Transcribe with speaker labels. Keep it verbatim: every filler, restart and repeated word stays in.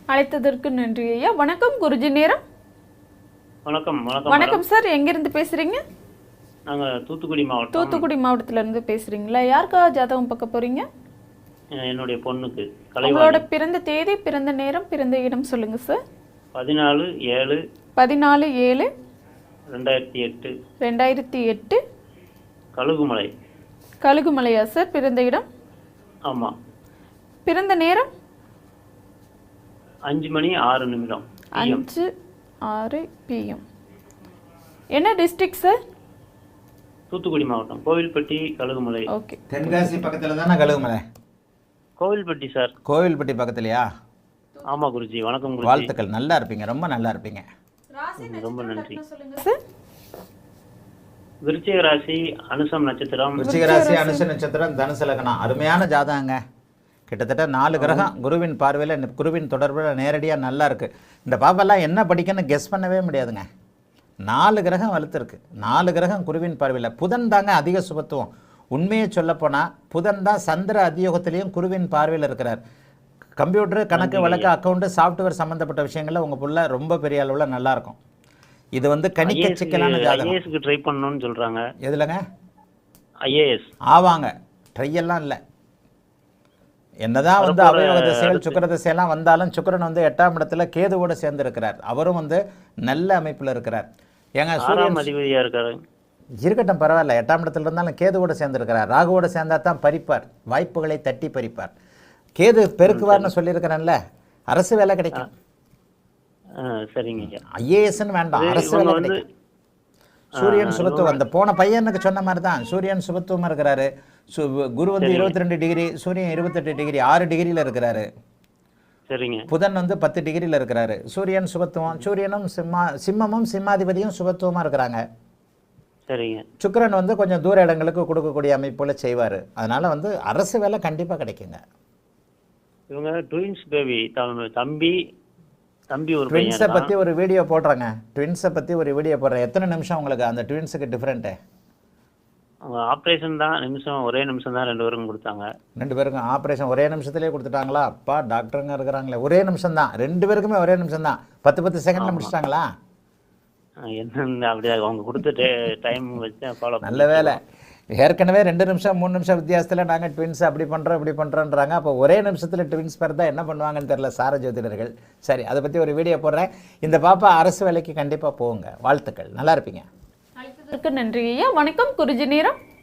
Speaker 1: அழைத்ததற்கு நன்றி ஐயா. வணக்கம் குருஜி நேரம்.
Speaker 2: வணக்கம் வணக்கம்
Speaker 1: வணக்கம் சார், எங்கிருந்து பேசுறீங்க?
Speaker 2: நாங்க தூத்துக்குடி மாவட்டம்.
Speaker 1: தூத்துக்குடி மாவட்டத்துல இருந்து பேசுறீங்களா? யாருக்காக ஜாதகம் பார்க்க போறீங்க?
Speaker 2: என்னுடைய பொண்ணுக்கு.
Speaker 1: உங்களோட பிறந்த தேதி, பிறந்த நேரம், பிறந்த இடம் சொல்லுங்க சார்.
Speaker 2: பதினாலு ஏழு
Speaker 1: பதினாலு ஏழு
Speaker 2: ரெண்டாயிரத்தி எட்டு
Speaker 1: ரெண்டாயிரத்தி எட்டு
Speaker 2: கழுகுமலை.
Speaker 1: கழுகுமலையா சார் பிறந்த இடம்?
Speaker 2: ஆமா.
Speaker 1: பிறந்த நேரம்
Speaker 2: அஞ்சு மணி ஆறு நிமிடம்.
Speaker 1: அஞ்சு ஆறு பிஎம். என்ன டிஸ்ட்ரிக்ட் சார்?
Speaker 2: தூத்துக்குடி மாவட்டம், கோவில்பட்டி, கழுகுமலை.
Speaker 1: ஓகே.
Speaker 3: தென்காசி பக்கத்துல தானே கழுகுமலை?
Speaker 2: கோவில்பட்டி சார்.
Speaker 3: கோவில்பட்டி பக்கத்துலையா?
Speaker 2: ஆமா குருஜி. வணக்கம் குருஜி.
Speaker 3: வாழ்த்துக்கள், நல்லா இருப்பீங்க, ரொம்ப நல்லா இருப்பீங்க.
Speaker 2: ரொம்ப நன்றி.
Speaker 1: சொல்லுங்க சார்.
Speaker 2: விருச்சிக ராசி, அனுசம் நட்சத்திரம்.
Speaker 3: விருச்சிக ராசி, அனுச நட்சத்திரம், தனுசு லக்னம். அருமையான ஜாதகங்க. கிட்டத்தட்ட நாலு கிரகம் குருவின் பார்வையில், குருவின் தொடர்பில் நேரடியாக நல்லா இருக்குது. இந்த பாப்பெல்லாம் என்ன படிக்கணும்னு கெஸ் பண்ணவே முடியாதுங்க. நாலு கிரகம் வலுத்துருக்கு. நாலு கிரகம் குருவின் பார்வையில். புதன் தாங்க அதிக சுபத்துவம். உண்மையை சொல்லப்போனால் புதன் தான் சந்திர அதியோகத்திலையும் குருவின் பார்வையில் இருக்கிறார். கம்ப்யூட்டரு, கணக்கு வழக்கு, அக்கௌண்ட்டு, சாஃப்ட்வேர் சம்மந்தப்பட்ட விஷயங்களில் உங்கள் புள்ள ரொம்ப பெரிய அளவில் நல்லாயிருக்கும். இது வந்து கணிக்க சிக்கலான ஜாதகம்.
Speaker 2: ஐஏஎஸ்க்கு ட்ரை பண்ணணும்னு சொல்கிறாங்க.
Speaker 3: எதுலங்க?
Speaker 2: ஐஏஎஸ்
Speaker 3: ஆவாங்க. ட்ரையெல்லாம் இல்லை. என்னதான் வந்து அவயோக திசைகள், சுக்கர திசையெல்லாம் வந்தாலும் சுக்கரன் வந்து எட்டாம் இடத்துல கேதுவோடு சேர்ந்து இருக்கிறார். அவரும் வந்து நல்ல அமைப்பில் இருக்கிறார். ஏங்க சூரியன்
Speaker 2: அதிபதியாக இருக்காரு.
Speaker 3: இருக்கட்டும், பரவாயில்ல. எட்டாம் இடத்துல இருந்தாலும் கேதுவோடு சேர்ந்து இருக்கிறார். ராகுவோடு சேர்ந்தா தான் பறிப்பார், வாய்ப்புகளை தட்டி பறிப்பார். கேது பெருக்குவார்னு சொல்லியிருக்கிறேன்ல, அரசு வேலை கிடைக்கும்.
Speaker 2: சரிங்க.
Speaker 3: ஐஏஎஸ்ன்னு வேண்டாம், அரசு வேலை கிடைக்கும். சூரியன் சுபத்துவம். அந்த போன பையனுக்கு சொன்ன மாதிரி தான் சூரியன் சுபத்துவமாக இருக்கிறாரு. சு குரு வந்து இருபத்தி ரெண்டு டிகிரி, சூரியன் இருபத்தெட்டு டிகிரி, ஆறு டிகிரியில் இருக்கிறாரு.
Speaker 2: சரிங்க.
Speaker 3: புதன் வந்து பத்து டிகிரியில் இருக்கிறாரு. சூரியன் சுபத்துவம். சூரியனும் சிம்மா சிம்மமும் சிம்மாதிபதியும் சுபத்துவமாக இருக்கிறாங்க.
Speaker 2: சரிங்க.
Speaker 3: சுக்கிரன் வந்து கொஞ்சம் தூர இடங்களுக்கு கொடுக்கக்கூடிய அமைப்புல செய்வார். அதனால் வந்து அரசு வேலை கண்டிப்பாக கிடைக்குங்க.
Speaker 2: இவங்க ட்வின்ஸ் பேபி, தம்பி தம்பி ஒரு
Speaker 3: ட்வின்ஸை பற்றி ஒரு வீடியோ போடுறேங்க. ட்வின்ஸை பற்றி ஒரு வீடியோ போடுறேன். எத்தனை நிமிஷம் உங்களுக்கு அந்த ட்வின்ஸுக்கு டிஃப்ரெண்ட்டு?
Speaker 2: அவங்க ஆப்ரேஷன் தான், நிமிஷம் ஒரே நிமிஷம் தான் ரெண்டு பேருக்கும் கொடுத்தாங்க.
Speaker 3: ரெண்டு பேருக்கும் ஆப்ரேஷன் ஒரே நிமிஷத்துலேயே கொடுத்துட்டாங்களா? அப்பா டாக்டருங்க இருக்கிறாங்களே. ஒரே நிமிஷம் தான், ரெண்டு பேருக்குமே ஒரே நிமிஷம் தான். பத்து பத்து செகண்டில் முடிச்சிட்டாங்களா?
Speaker 2: என்ன அப்படி அவங்க கொடுத்த டைம் வச்சு ஃபாலோ.
Speaker 3: நல்ல வேலை. ஏற்கனவே ரெண்டு நிமிஷம் மூணு நிமிஷம் வித்தியாசத்தில் நாங்கள் ட்வின்ஸ் அப்படி பண்ணுறோம் இப்படி பண்ணுறோன்றாங்க. அப்போ ஒரே நிமிஷத்தில் ட்வின்ஸ் பேர் தான் என்ன பண்ணுவாங்கன்னு தெரில சார ஜோதிடர்கள். சரி, அதை பற்றி ஒரு வீடியோ போடுறேன். இந்த பாப்பா அரசு வேலைக்கு கண்டிப்பாக போங்க. வாழ்த்துக்கள், நல்லா இருப்பீங்க.
Speaker 1: அழைத்ததற்கு நன்றி ஐயா. வணக்கம் குருஜி நேரம்.